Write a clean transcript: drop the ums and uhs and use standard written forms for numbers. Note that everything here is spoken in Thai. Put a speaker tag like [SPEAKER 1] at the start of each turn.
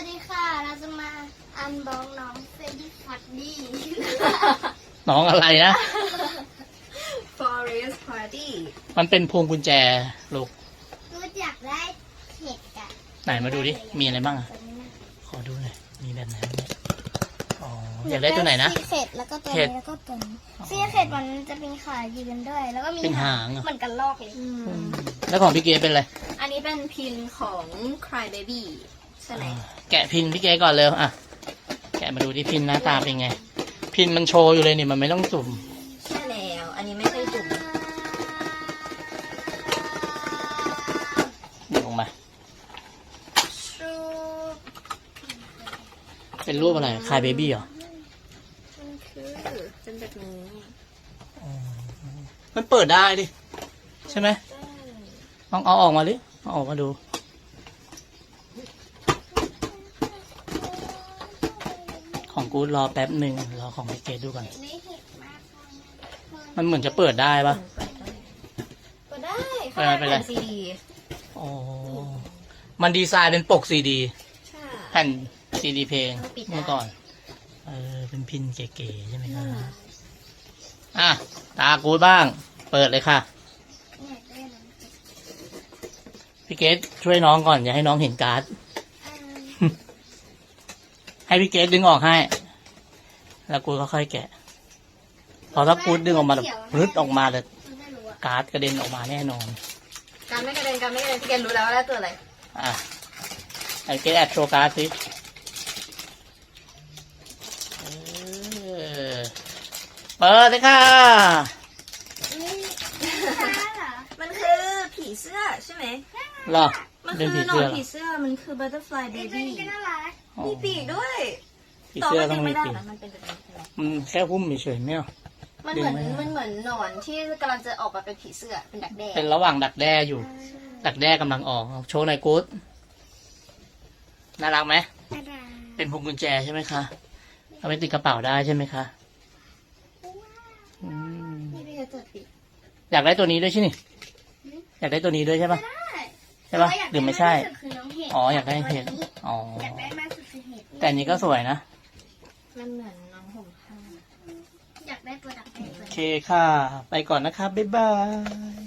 [SPEAKER 1] วัสดีค่ะ เราจะมาอันบ็อกน้องเฟรดดี้ฟัดดี้
[SPEAKER 2] น้องอะไรนะ
[SPEAKER 3] Forest Party
[SPEAKER 2] มันเป็นพวงกุญแจลูก
[SPEAKER 1] รู้จักได้เห็ดอะ
[SPEAKER 2] ไหนมาดูดิ มีอะไรบ้างอะ
[SPEAKER 1] ตัวนี้นะ
[SPEAKER 2] ขอดูหน่อย มีแบบไหนบ้างเนี่ยอ๋อ อยากได้ตัวไหนนะ
[SPEAKER 1] ซีเข็ดแล้วก็ตัว
[SPEAKER 2] เห็ด
[SPEAKER 1] นี้แล้วก็ตัวนี้ซีเข็ดมันจะเป็นขายืนด้วย แล้วก็มี
[SPEAKER 2] เป็นหางเหรอ
[SPEAKER 1] เหมือนกันลอกเลย
[SPEAKER 2] แล้วของพี่เกเป็นอะไร
[SPEAKER 3] อันนี้เป็นพินของ Cry Baby ใช่ไหม
[SPEAKER 2] แกะพินพี่เกก่อนเร็วอ่ะ แกะมาดูที่พินหน้าตาเป็นไง พินมันโชว์อยู่เลยนี่มันไม่ต้องสุ่ม
[SPEAKER 3] ใช่แล้ว อันนี้ไม่ใช่จุ่ม
[SPEAKER 2] ดึงออกมา
[SPEAKER 1] ชู
[SPEAKER 2] เป็นรูปอะไรคายเบบี้เหรอ
[SPEAKER 3] มันคือเป็นแบบนี้
[SPEAKER 2] มันเปิดได้ดิ ใช่ไหมลองเอาออกมาดิเอาออกมาดู ของกูดรอแป๊บหนึ่งรอของพี่เกดดูก่อน
[SPEAKER 1] นี่เห็ดมากเลย
[SPEAKER 2] มันเหมือนจะเปิดได้ปะ
[SPEAKER 3] ก็ได้
[SPEAKER 2] เปิดไปเลย
[SPEAKER 3] ซีดี
[SPEAKER 2] อ๋อ มันดีไซน์เป็นปกซีดี
[SPEAKER 3] ใช่
[SPEAKER 2] แผ่นซีดีเพลง
[SPEAKER 3] ปิดได้
[SPEAKER 2] เมื่อก่อน เป็นพินเก๋ๆใช่ไหมครับอ่ะ ตากูดบ้าง เปิดเลยค่ะ
[SPEAKER 1] เนี่ยได้แล้ว
[SPEAKER 2] พี่เกดช่วยน้องก่อน อย่าให้น้องเห็นการ์ด ให้พี่เกดดึงออกให้ แล้วกูก็ค่อยแกะ พอถ้ากูดดึงออกมาแบบรึดออกมาเลย
[SPEAKER 1] มันไม่รู้อะ
[SPEAKER 2] การ์ดกระเด็นออกมาแน่นอน
[SPEAKER 3] การไม่กระเด็นพี่เกณรู้แล้วว่าได้ตัวอะไร
[SPEAKER 2] อ่ะไอ้เกดแอบโชว์การ์ดสิเปิดเลยค่ะ
[SPEAKER 1] นี่ช้าเหรอ
[SPEAKER 3] มันคือผีเสื้อใช่ไหม
[SPEAKER 2] เหรอ
[SPEAKER 3] มัน
[SPEAKER 2] เป็น
[SPEAKER 3] คื
[SPEAKER 2] ผี
[SPEAKER 3] อหนอ
[SPEAKER 2] เสื้
[SPEAKER 3] น
[SPEAKER 2] อเหรอ
[SPEAKER 3] ผีเสื้อ มันคือ Butterfly
[SPEAKER 1] ไอ้ตัว
[SPEAKER 3] Baby
[SPEAKER 1] นี้ก็น่ารัก
[SPEAKER 2] อ๋อ
[SPEAKER 3] มีปีกด้วย
[SPEAKER 2] ผี
[SPEAKER 3] ต่อ
[SPEAKER 2] เสื้อ
[SPEAKER 3] มัน
[SPEAKER 2] ต้อ
[SPEAKER 3] ดึ
[SPEAKER 2] ง
[SPEAKER 3] ง
[SPEAKER 2] มี
[SPEAKER 3] ไม่ได้
[SPEAKER 2] ปีก
[SPEAKER 3] นะมันเป็นแบบนี้ใช่ไหม
[SPEAKER 2] มันแค่หุ้มเฉยๆไม่เอา
[SPEAKER 3] มันเหมือน
[SPEAKER 2] ดึงไม่ได้
[SPEAKER 3] มันเหมือนหนอนที่กำลังจะออกมาเป็นผีเสื้อ เป็นดักแด้
[SPEAKER 2] เป็นระหว่างดักแด้อยู่ ดักแด้กำลังออกโชว์หน่อยกู๊ดน่ารักไหม
[SPEAKER 1] น่ารัก
[SPEAKER 2] เป็นพวงกุญแจใช่ไหมคะเอาไปติดกระเป๋าได้ใช่ไหมคะอืม
[SPEAKER 3] นี่พี่จะเปิดปีก
[SPEAKER 2] อยากได้ตัวนี้ด้วยใช่ไหมอยากได้ตัวนี้ด้วยใช่ปะ
[SPEAKER 1] ได้
[SPEAKER 2] ใช่ปะหรือไม่ใช่
[SPEAKER 1] แต่ว่าอยากได้มากที่สุดคือน้องเห็ด
[SPEAKER 2] อ๋ออยากได้เห็ดอ๋อ
[SPEAKER 1] อยากได้มากสุดคือเห็ด
[SPEAKER 2] แต่อันนี้ก็สวยนะ
[SPEAKER 3] มันเหมือนน้องห่มผ้า
[SPEAKER 1] อยากได้ตัวดักแด้
[SPEAKER 2] โอเคค่ะ ไปก่อนนะครับบ๊ายบาย